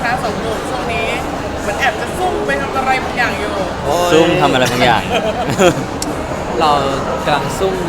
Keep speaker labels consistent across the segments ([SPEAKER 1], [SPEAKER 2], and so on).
[SPEAKER 1] คะสองหนุ่มช่วงนี้เหมือนแอบจะซุ่มไปทำอะไรบางอย่างอยู่
[SPEAKER 2] ซุ่มทำอะไรบางอย่าง
[SPEAKER 3] เรากำลังซุ่ม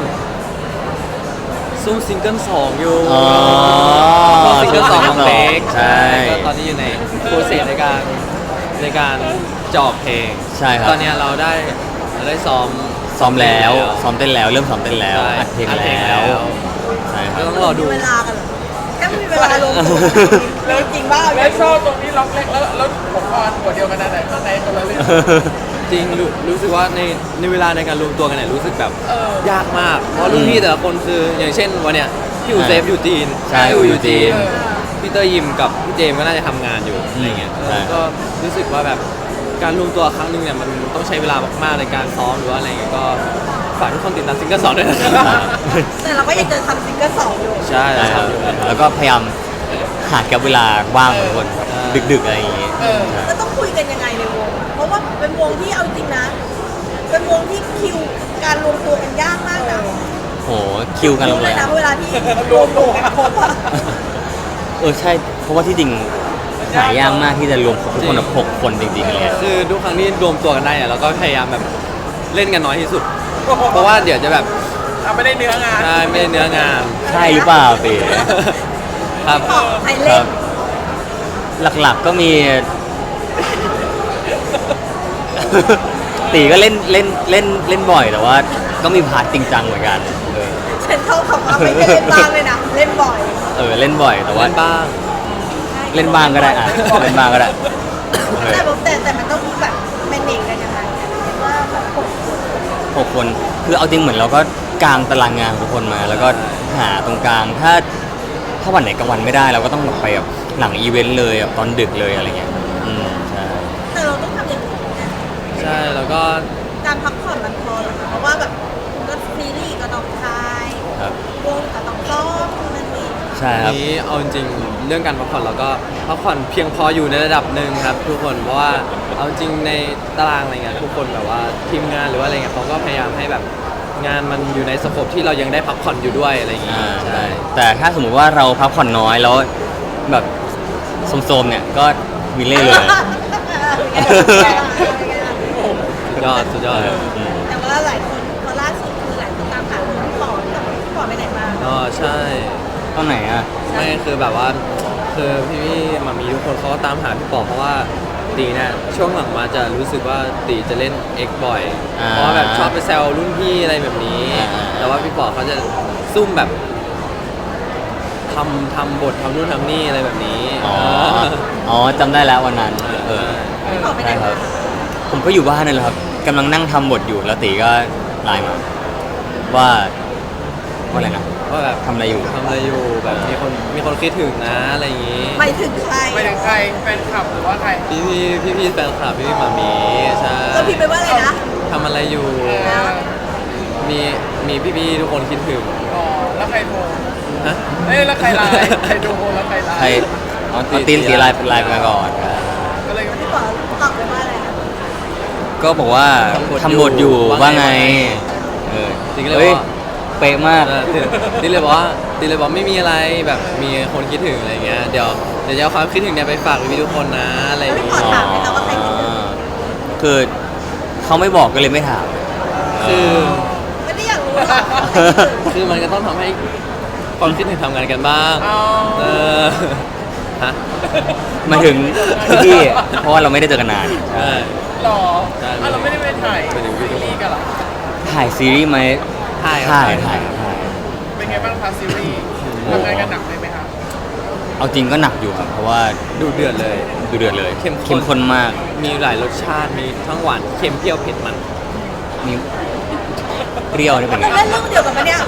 [SPEAKER 3] ซิงเกิล2อยู่
[SPEAKER 2] อ๋อ
[SPEAKER 3] ซิงเกิล2ของเล็ก
[SPEAKER 2] ใช่
[SPEAKER 3] ก็ตอนนี้อยู่ในโปรเซสในการจอบเพลง
[SPEAKER 2] ใช่ครับ
[SPEAKER 3] ตอนนี้เราได้ซ้อม
[SPEAKER 2] ซ้อมแล้วซ้อมเต้นแล้วเริ่มซ้อมเต้นแล้ว
[SPEAKER 3] ใช่
[SPEAKER 2] อัดเพลง
[SPEAKER 3] อัดเพลง
[SPEAKER 2] แล้ว
[SPEAKER 3] แล้ว
[SPEAKER 2] ใช่ค
[SPEAKER 3] ก็
[SPEAKER 2] รับ
[SPEAKER 3] ต้องรอดู
[SPEAKER 4] มีเวลากันเหรอแค่ไม่มีเวลาลงตัวเลยจริงบ้า
[SPEAKER 1] แล้วชอบตรงนี้ล็อกเล็กแล้วผมออนหัวเดียวกันนะแต่ข้างในคนละเรื่อง
[SPEAKER 3] จริงรู้สึกว่าในเวลาในการรวมตัวกันเนี่ยรู้สึกแบบ ยากมาก เพราะรุ่นพี่แต่ละคนคืออย่างเช่นวันเนี้ยพี่อูเซฟอยู่จีน
[SPEAKER 2] ใช่
[SPEAKER 3] พี่อูอยู่จีน
[SPEAKER 1] เออ
[SPEAKER 3] พี่เตอร์ยิมกับพี่เจมส์ก็น่าจะทำงานอยู่อะไรเงี้ย
[SPEAKER 2] ใช่
[SPEAKER 3] ก็รู้สึกว่าแบบการรวมตัวครั้งหนึงเนี่ยมันต้องใช้เวลามากๆในการซ้อมหรือว่าอะไรเงี้ยก็ฝากทุกคนติดตามซิงเกิล2ด้วยนะครับ
[SPEAKER 4] แต่เราก็ยังจะทำซิงเกิลสองอยู่
[SPEAKER 3] ใช่
[SPEAKER 2] ใช่ครับแล้วก็พยายามหาแกับเวลาว่างของคนดึกๆอะไรอย่างงี้
[SPEAKER 1] เออ
[SPEAKER 2] ใช่
[SPEAKER 4] แล้วต้องคุยกันยังไงในวงอะเพราะว่าเป็นวงที่เอาจริงนะ เป็นวงที่คิวการรวมตัวกันยากมากนะ
[SPEAKER 2] โหคิวกันลง
[SPEAKER 4] เล
[SPEAKER 2] เลย ย
[SPEAKER 4] นะเวลาที่รวมตัวกันครบอะ
[SPEAKER 2] ใช่เพราะว่าที่จริงหายากมากที่จะรวมทุกคนแบบ6 คนจริงๆเลย
[SPEAKER 3] คือทุกครั้งที่รวมตัวกันได้เนี่ยเราก็พยายามแบบเล่นกันน้อยที่สุด เพราะว่าเดี๋ยวจะแบบ
[SPEAKER 1] เอาไม่ได้เนื้องาน
[SPEAKER 3] ใช่ไม่ได้เนื้องาน
[SPEAKER 2] ใช่หรือเปล่าตี
[SPEAKER 3] ครับ
[SPEAKER 4] ตอบใคร
[SPEAKER 2] ค
[SPEAKER 4] เล่
[SPEAKER 2] รั
[SPEAKER 4] น
[SPEAKER 2] บ หลักๆก็มี ตีก็เล่นบ่อยแต่ว่าก็มีพาร์ทจริงจังเหมือนกัน
[SPEAKER 4] ฉันเข้าคำว่าไม่ได้เล่นบ้างเลยนะ เล่นบ่อย
[SPEAKER 2] เล่นบ่อยแต่ว่า
[SPEAKER 3] เล่นบ้าง
[SPEAKER 2] เล่นบ้างก็ได้อ่ะเล่นบ้างก็ได้
[SPEAKER 4] แต่มันต้องแบบแมเนจกันยังไงอะเรียกว่าแบบกด
[SPEAKER 2] 6 คนคือเอาจริงเหมือนเราก็กางตารางงานของทุกคนมา แล้วก็หาตรงกลางถ้าวันไหนกลางวันไม่ได้เราก็ต้องแบบไปแบบหลังอีเวนต์เลยแบบตอนดึกเลยอะไรเงี้ยใช่
[SPEAKER 4] แต่เราต้องทำอย่างอื่นนะ
[SPEAKER 3] ใช่แล้วก็
[SPEAKER 4] การพักผ่อนมันพอหรอคะเพราะว่าแบบก็ซีรีส์ก็ต้องทาย
[SPEAKER 2] ครับ
[SPEAKER 4] วงก็ต้องซ้อมนั่นนี่
[SPEAKER 2] ใช่ครับ
[SPEAKER 3] นี้เอาจริงๆเรื่องการพักผ่อนเราก็พักผ่อนเพียงพออยู่ในระดับหนึ่งครับทุกคนเพราะว่าเอาจริงในตารางอะไรเงี้ยทุกคนแบบว่าทีมงานหรือว่าอะไรเงี้ยเขาก็พยายามให้แบบงานมันอยู่ในสโคปที่เรายังได้พักผ่อนอยู่ด้วยอะไรอย่างงี้
[SPEAKER 2] ใช่แต่ถ้าสมมุติว่าเราพักผ่อนน้อยแล้วแบบโซมๆเนี่ยก็มีเล่เลย
[SPEAKER 3] สุดยอด
[SPEAKER 4] แต่ว่าหลายคนพอล่าสุดคือหลายคนตามหาพี่ปอไปไหนมา
[SPEAKER 3] อ๋อใช่
[SPEAKER 2] ตอนไหนอ่ะ
[SPEAKER 3] ไม่คือแบบว่าคือพี่ๆมามีทุกคนเขาก็ตามหาพี่ปอเพราะว่าตีเนี่ยช่วงหลังมาจะรู้สึกว่าตีจะเล่น X บ่อย เพราะว่าแบบชอบไปแซวรุ่นพี่อะไรแบบนี้ แต่ว่าพี่ปอเขาจะซุ่มแบบทำบททำนู่นทำนี่อะไรแบบนี้
[SPEAKER 2] อ๋อจำได้แล้ววันนั้น
[SPEAKER 4] พี่ปอไปไหน
[SPEAKER 2] ใช่ครั
[SPEAKER 4] มา
[SPEAKER 2] บ ผมก็อยู่บ้านนั่นแหละครับกำลังนั่งทำบทอยู่แล้วตีก็ไลน์มาว่าอะไรนะ
[SPEAKER 3] ว่าแบบ
[SPEAKER 2] ทำอะไรอยู่
[SPEAKER 3] แบบมีคนคิดถึงนะอะไรอย่างงี้
[SPEAKER 4] ไปถึงใคร
[SPEAKER 1] ไปถึงใครแฟนคลับหรือว่าใคร
[SPEAKER 3] พี่แฟนคลับพี่มามีใช่
[SPEAKER 4] ก็พิมพ์ไปว่าอะไรนะ
[SPEAKER 3] ทำอะไรอยู่ มีพี่ๆทุกคนคิดถึง
[SPEAKER 1] อ๋อแล้วใครโทร
[SPEAKER 3] ฮะ
[SPEAKER 1] แล้วใครไลน์ใครโทรแล้วใครไลน์
[SPEAKER 2] ใครเอาตีนสีไลน์เป็นไลน์มาก่อน
[SPEAKER 1] ก็เลย
[SPEAKER 4] พี่ปอตอบไปว่าอะไรนะ
[SPEAKER 2] ก็บอกว่าทำบทอยู่ว่าไง
[SPEAKER 3] จริงเลย
[SPEAKER 2] เฮ้ย
[SPEAKER 3] ว่า
[SPEAKER 2] เป๊ะมาก
[SPEAKER 3] ตีเลยบอกว่าไม่มีอะไรแบบมีคนคิดถึงอะไรเงี้ยเดี๋ยวจะเอาความคิดถึงเนี่ยไปฝากพี่ๆทุกคนนะอะไรอย่าง
[SPEAKER 4] พี่
[SPEAKER 3] งี้
[SPEAKER 4] ปอถามไหมคะว่าใครคิดถึง
[SPEAKER 2] คือเขาไม่บอกก็เลยไม่ถาม
[SPEAKER 3] คือ
[SPEAKER 4] ไม่ได้อยากรู้หรอกว่าใครคิดถึง
[SPEAKER 3] คือมันก็ต้องทำให้ความคิดถึงทำงานกันบ้าง
[SPEAKER 1] อ๋อ
[SPEAKER 3] เออฮะ
[SPEAKER 2] หมายถึงพี่ๆเพราะว่าเราไม่ได้เจอกันนาน
[SPEAKER 3] ใช่
[SPEAKER 1] หรอ
[SPEAKER 3] ใช่
[SPEAKER 1] เราไม่ได้ไปถ่าย
[SPEAKER 3] ไปถึง
[SPEAKER 1] ซีรีส์กันเหรอ
[SPEAKER 2] ถ่ายซีรีส์ไหม
[SPEAKER 3] ถ่าย
[SPEAKER 2] ถ่าย
[SPEAKER 1] เป็นไงบ้างคะซีรีส์ทำงานกันหนักเลยไหมคะ
[SPEAKER 2] เอาจริงก็หนักอยู่ครับ เพราะว่า
[SPEAKER 3] ดูเดือดเลย
[SPEAKER 2] ดูเดือดเลย
[SPEAKER 3] เข้มข้น
[SPEAKER 2] เข้มข้นมาก
[SPEAKER 3] มีหลายรสชาติมีทั้งหวานเค็มเปรี้ยวเผ็ดมัน
[SPEAKER 2] มีเปรี้ยวนี่เป็นไง
[SPEAKER 4] เราเล่นเรื่องเดียวกันปะเนี่ย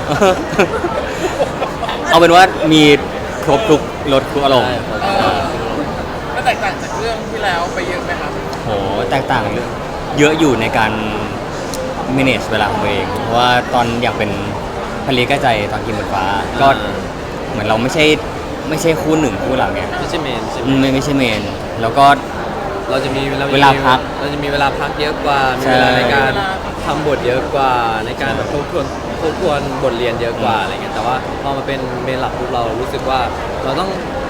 [SPEAKER 2] เอาเป็นว่ามีครบทุกรสทุกอารมณ์
[SPEAKER 1] ก็แตกต่างจากเรื่องที่แล้วไปเยอะไหมคะ
[SPEAKER 2] โหแตกต่างเยอะอยู่ในการ manage เวลาของตัวเอง เพราะว่าตอนอยากเป็นพลีใกล้ใจตอนกินบนฟ้า ก็เหมือนเราไม่ใช่คู่หนึ่งคู่หลังไง
[SPEAKER 3] ไม่ใช่เมนใช่ไหม
[SPEAKER 2] ไม่ใช่เมน แล้วก็
[SPEAKER 3] เราจะมี
[SPEAKER 2] เวลาพัก
[SPEAKER 3] เราจะมีเวลาพักเยอะกว่า มี
[SPEAKER 2] ใช่
[SPEAKER 3] เวลาในการทำบทเยอะกว่า ในการแบบทบทวนบทเรียนเยอะกว่าอะไรเงี้ยแต่ว่าพอมาเป็นเมนหลักปุ๊บเรารู้สึกว่าเราต้อง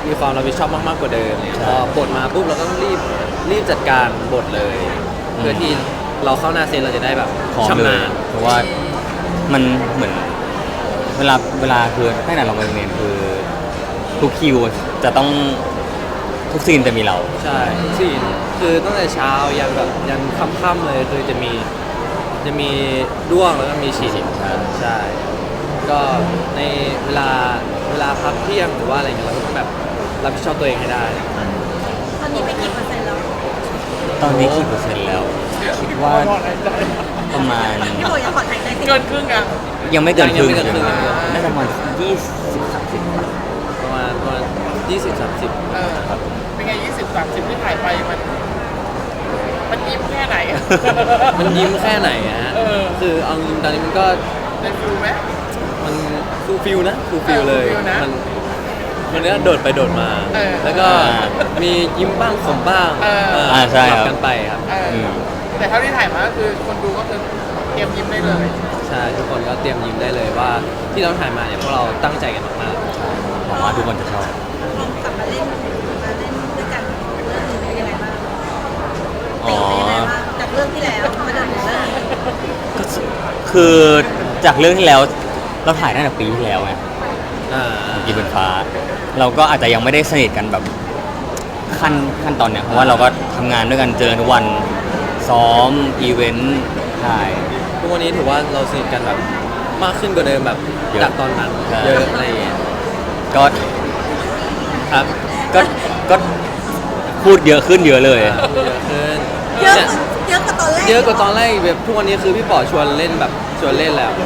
[SPEAKER 3] มีความรับผิดชอบมากๆกว่าเดิมเนี่ยพอบทมาปุ๊บเราก็ต้องรีบจัดการบทเลย เพื่อที่เราเข้าหน้าเซตเราจะได้แบบ
[SPEAKER 2] พร้อม
[SPEAKER 3] ชำ
[SPEAKER 2] เล
[SPEAKER 3] นาย ญ
[SPEAKER 2] เพราะว่ามันเหมือนเวลาคือตั้งแต่เราไปโรงเรียนคือทุกคิวจะต้องทุกซีนจะมีเรา
[SPEAKER 3] ใช่ทุกซีนคือตั้งแต่เช้ายันแบบยันค่ำๆเลยคือจะมีด้วงแล้วก็มีฉีด ใช่ก็ในเวลาพักเที่ยงหรือว่าอะไรเงี้ยเราก็ต้องแบบรับผิดชอบตัวเองให้ได้
[SPEAKER 4] ตอนนี้ไปกี่เปอร์เซ็นต์แล้ว
[SPEAKER 2] ตอนนี้กี่เปอร์เซ็นต์แล้ว คิดว่าประมาณ
[SPEAKER 4] พี่โบยังขอถ่ายใจสิ
[SPEAKER 1] เกินครึ่งอ่ะ
[SPEAKER 2] ยังไม่เกินครึ่ง
[SPEAKER 3] ยังไม่เกินครึ่ง
[SPEAKER 2] น่าจะประมาณ20-30
[SPEAKER 3] ประมาณ20-30
[SPEAKER 1] เป็นไง20-30ที่ถ่ายไปมันยิ้มแค่ไหนอะ
[SPEAKER 3] มันยิ้มแค่ไหนอะฮะ
[SPEAKER 1] เออ
[SPEAKER 3] คือเอาจริงๆตอนนี้มันก็
[SPEAKER 1] ได้ฟิลไหม
[SPEAKER 3] มันฟูลฟิลนะฟูลฟิลเลย
[SPEAKER 1] ฟูลฟิลนะ
[SPEAKER 3] มันเนี้ยโดดไปโดดมา
[SPEAKER 1] เออ
[SPEAKER 3] แล้วก็มียิ้มบ้างขมบ้าง
[SPEAKER 2] ใช่ครับ
[SPEAKER 3] สลักันไปครับ
[SPEAKER 1] แต่เท่าที่ถ่ายมาก็คือคนดูก็คือเตรียมยิ้มได้เลย
[SPEAKER 3] ใช่ทุกคนก็เตรียมยิ้มได้เลยว่าที่เราถ่ายมาเนี่ยพวกเราตั้งใจกันมาก
[SPEAKER 2] หวังว่าทุกคนจะชอบ
[SPEAKER 4] ลองกลับมาเล่นด้วยกันเรื่องนี้เป็นยังไงบ้าง
[SPEAKER 2] อ๋อ
[SPEAKER 4] เป็นยังไงบ้างจากเรื่องที่แล้วมาจนถึงเรื่องนี้
[SPEAKER 2] ก็คือจากเรื่องที่แล้วเราถ่ายตั้งแต่ปีที่แล้วไง
[SPEAKER 3] ๆอ่า
[SPEAKER 2] กีบนฟ้า เราก็อาจจะยังไม่ได้สนิทกันแบบขั้นตอนเนี้ยเพราะว่าเราก็ทำงานด้วยกันเจอทุกวันซ้อมอีเวนต์ถ่าย
[SPEAKER 3] ทุกวันนี้ถือว่าเราสนิทกันแบบมากขึ้นกว่าเดิมแบบ
[SPEAKER 2] เยอะ
[SPEAKER 3] จากตอนนั้น
[SPEAKER 2] ใช่
[SPEAKER 3] เยอะอะไรอย่างเงี้ย
[SPEAKER 2] ก็
[SPEAKER 3] ครับ
[SPEAKER 2] ก็พูดเยอะขึ้นเยอะเลย
[SPEAKER 3] เยอะขึ้น
[SPEAKER 4] เยอะ
[SPEAKER 3] นี่
[SPEAKER 4] เยอะกว่าตอนแรก
[SPEAKER 3] เยอะกว่าตอนแรกอีกแบบทุกวันนี้คือพี่ป๋อชวนเล่นแบบชวนเล่นแล้ว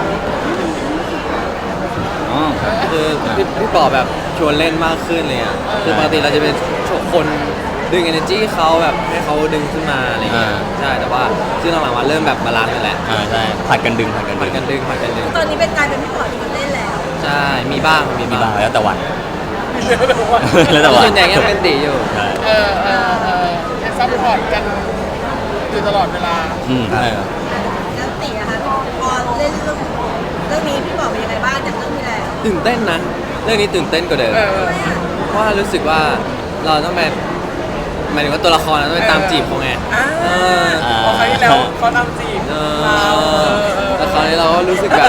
[SPEAKER 2] อ๋อ
[SPEAKER 3] คือพี่ป๋อแบบชวนเล่นมากขึ้นเลยอ่ะคือปกติเราจะเป็นคนดึง energy เขาแบบให้เขาดึงขึ้นมาอะไรเงี้ยใช่แต่ว่าซึ่งหลังๆมาเริ่มแบบบาลานซ์กันแล้ว
[SPEAKER 2] ใช่ผัดกันดึงผัดกัน
[SPEAKER 3] ผั
[SPEAKER 2] ดึ
[SPEAKER 3] ด
[SPEAKER 2] ง
[SPEAKER 3] กันดึงผัดกันดึง
[SPEAKER 4] ตอนนี้เป็นกลายเป็นพี่ป๋อชวนเล่นแล้ว
[SPEAKER 3] ใช่มีบ้างมี
[SPEAKER 2] มีบ้า
[SPEAKER 3] บ้าง ง
[SPEAKER 2] แล้วแต่วัน
[SPEAKER 1] เดี๋ยวแบบว่า
[SPEAKER 2] แล้วแต่วัน
[SPEAKER 3] ส่วนใหญ่ยังเป็นตีอยู่
[SPEAKER 2] ใช่
[SPEAKER 1] ยังซัพพอร์ตกันอยู่ตลอดเวลา
[SPEAKER 2] ใช่ครับ
[SPEAKER 4] แล้วตีอะคะพอเล่นเรื่องนี้พี่ป๋อเป็นยังไงบ้างจากเรื่องที่แล้ว
[SPEAKER 3] ตื่นเต้นนะเรื่องนี้ตื่นเต้นกว่าเดิม
[SPEAKER 1] เออ
[SPEAKER 4] ทำไมอะ
[SPEAKER 3] เพราะว่ารู้สึกว่าเราต้องไปหมายถึงว่าตัวละครเราต้องไปตามจีบเขาไง
[SPEAKER 1] พอครั้งที่แล้วเขาทำจีบ
[SPEAKER 3] เอ
[SPEAKER 1] เรา
[SPEAKER 3] แต่คราวนี้เราก็รู้สึกแบบ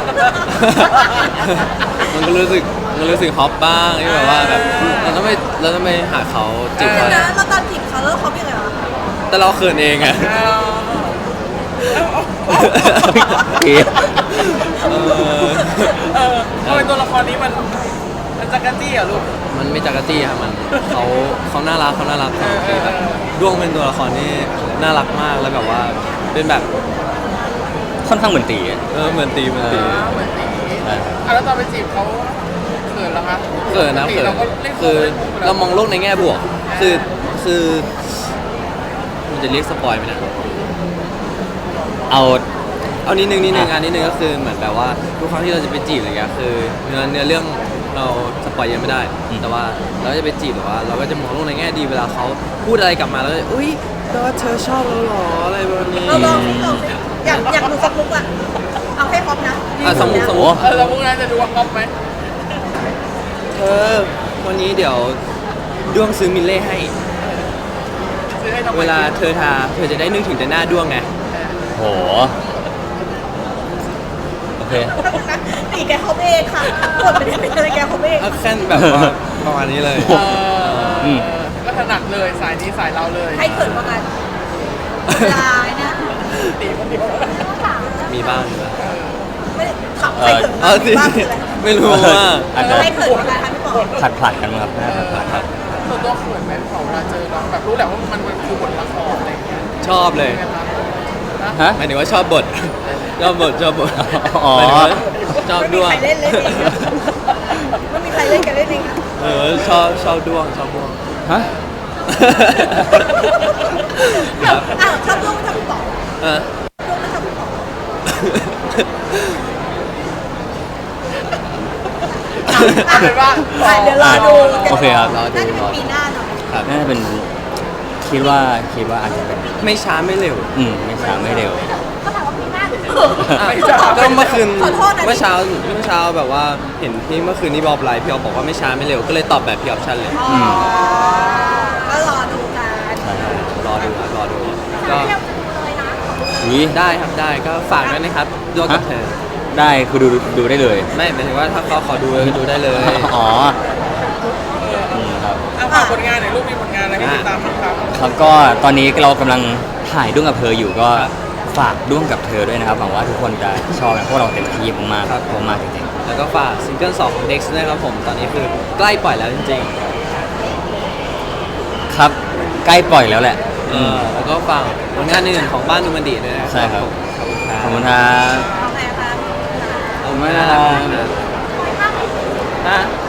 [SPEAKER 3] มันก็รู้สึกฮอปบ้างที่แบบว่าแบบเราต้องไปหาเขาจีบ
[SPEAKER 4] เดี๋ย
[SPEAKER 3] เขา
[SPEAKER 4] วนะเราตามจีบเขาแล้วเขาเป็นยังไงวะ
[SPEAKER 3] แต่เราเขินเองอะ
[SPEAKER 2] เอ๊ะ
[SPEAKER 1] ทำไมตัวละครนี้มันจักรจี้อ่ะลูก
[SPEAKER 3] มันไม่จักรจี้ครับมันเขาน่ารักคือแบบด้วงเป็นตัวละครที่น่ารักมากแล้วแบบว่าเป็นแบบ
[SPEAKER 2] ค่อนข้างเหมือนตีอะ
[SPEAKER 3] เหมือนตี
[SPEAKER 1] เหมือนตี
[SPEAKER 2] ใช่ครับ
[SPEAKER 1] แล้วตอนไปจีบเขาเขินเหรอคะ
[SPEAKER 3] เขินนะ
[SPEAKER 1] ปกติ
[SPEAKER 3] เขิน
[SPEAKER 1] เราก็เล่น
[SPEAKER 3] คือ
[SPEAKER 1] เรา
[SPEAKER 3] เรามองโลกในแง่บวก คือมันจะเรียกสปอยไหมนะ
[SPEAKER 2] เอา
[SPEAKER 3] เอานิดนึงอันนิดนึงก็คือเหมือนแบบว่าทุกครั้งที่เราจะไปจีบอะไรเงี้ยคือเนื้อเรื่องเราสปอยยังไม่ได้ แต่ว่าเราจะไปจีบแบบว่า เราก็จะมองโลกในแง่ดีเวลาเขาพูดอะไรกลับมาแล้วก็อุ้ยแล้วเธอชอบเราเหรออะไรแบบนี้
[SPEAKER 4] เราลองสิอยากดูสักลุกอะเอาให้พร้อมนะ
[SPEAKER 3] สมมุติ
[SPEAKER 1] แล้วพวกนั้นจะดูว่าก๊อปไหม
[SPEAKER 3] เธอวันนี้เดี๋ยวด้วงซื้อมิลเล่ให้
[SPEAKER 1] ซื้อให้ทำไม
[SPEAKER 3] เวลาเธอทาเธอจะได้นึกถึงแต่หน้าด้วงไง
[SPEAKER 2] โหโอเค
[SPEAKER 4] ตีแกเขาเองค่ะกดไปได้เป็นอะไรแกเขาเอง
[SPEAKER 3] เอาแค่แบบว่าประมาณนี้เลย
[SPEAKER 1] ก็ถนัดเลยสายนี้สายเราเลย
[SPEAKER 4] ใครเขินกว่ากันลายนะ
[SPEAKER 1] ตีคนเดียว
[SPEAKER 3] มีบ้าง
[SPEAKER 4] ไม่ได้ขับใครเขิน
[SPEAKER 3] เอาสิ
[SPEAKER 4] บ้างคืออะไร
[SPEAKER 3] ไม่รู้ว่า
[SPEAKER 2] อาจจะ
[SPEAKER 4] ใครเขินกว่ากันคะพี่ป๋อ
[SPEAKER 2] ผลัดกันมั้งครับน่าจะผลัด
[SPEAKER 1] ตัวเขินไหมเวลาเจอน้องแบบรู้แหละว่ามันคือบทละครอะไรอย่างเงี้ย
[SPEAKER 3] ชอบเลย
[SPEAKER 2] ฮะ
[SPEAKER 3] หมายถึงว่าชอบบท ชอบบท
[SPEAKER 2] อ๋อ
[SPEAKER 3] หมายถึงว่าชอบ
[SPEAKER 4] ไม่มี
[SPEAKER 3] ด้วง
[SPEAKER 4] ใครเล่นเองไม่มีใครเล่นกันเล่นเองอะ
[SPEAKER 3] ชอบด้วง
[SPEAKER 2] ฮะ
[SPEAKER 3] ครับ
[SPEAKER 4] อ้าวชอบลูกไม่ชอบพี่ป๋อ
[SPEAKER 3] เออ
[SPEAKER 4] ลูกไม่ชอบพี่ป๋อ
[SPEAKER 1] เอาเป็นว่า
[SPEAKER 4] เดี๋ยวรอดู
[SPEAKER 2] โอเคครับ
[SPEAKER 4] น่าจะเป็นปีหน้าเนาะ
[SPEAKER 3] ครับ
[SPEAKER 2] น่าจะเป็นคิดว่าอาจจะเป็น
[SPEAKER 3] ไม่ช้าไม่เร็ว
[SPEAKER 2] ไม่ช้าไม่เร็ว
[SPEAKER 4] ก็ถามว่าปีหน้าหรือ
[SPEAKER 3] ก็เมื่อคืน
[SPEAKER 4] ขอโทษนะ
[SPEAKER 3] เมื่อเช้าแบบว่าเห็นพี่เมื่อคืนนี้บอบไลฟ์พี่ออฟบอกว่าไม่ช้าไม่เร็วก็เลยตอบแบบพี่ออฟชั่นเลย
[SPEAKER 4] อ๋อก็รอดูกัน
[SPEAKER 3] รอดูก็
[SPEAKER 2] อุ๊ย
[SPEAKER 3] ได้ครับได้ก็ฝากด้วยนะครับด้วยกับเธอ
[SPEAKER 2] ได้คือดูได้เลย
[SPEAKER 3] ไม่หมายถึงว่าถ้าเขาขอดูก็ดูได้เลย
[SPEAKER 2] อ๋อครับ
[SPEAKER 1] เอาฝากผลงานหน่อยลูกมีผลงานอะไรให้ติดตามบ้างครับ
[SPEAKER 2] ครับก็ตอนนี้เรากำลังถ่ายด้วงกับเธออยู่ก็ฝากด้วงกับเธอด้วยนะครับหวังว่าทุกคนจะชอบนะเพราะเราเต็มที่มากๆมากจริง
[SPEAKER 3] แล้วก็ฝากซิงเกิล2ของ Dex ด้วยครับผมตอนนี้คือใกล้ปล่อยแล้วจริง
[SPEAKER 2] ๆครับใกล้ปล่อยแล้วแหละ
[SPEAKER 3] ๆแล้วก็ฝากผลงานอื่นๆของบ้านดูมันดีด้วยนะ
[SPEAKER 2] ใช่ครับ
[SPEAKER 3] ข
[SPEAKER 2] ข
[SPEAKER 3] อ
[SPEAKER 2] อ
[SPEAKER 3] บบ คุ
[SPEAKER 2] คุณ ณ
[SPEAKER 3] ค
[SPEAKER 2] ค
[SPEAKER 3] รั
[SPEAKER 2] รับ
[SPEAKER 4] โอเคค่ะ
[SPEAKER 3] ขอบคุณมากนะครับ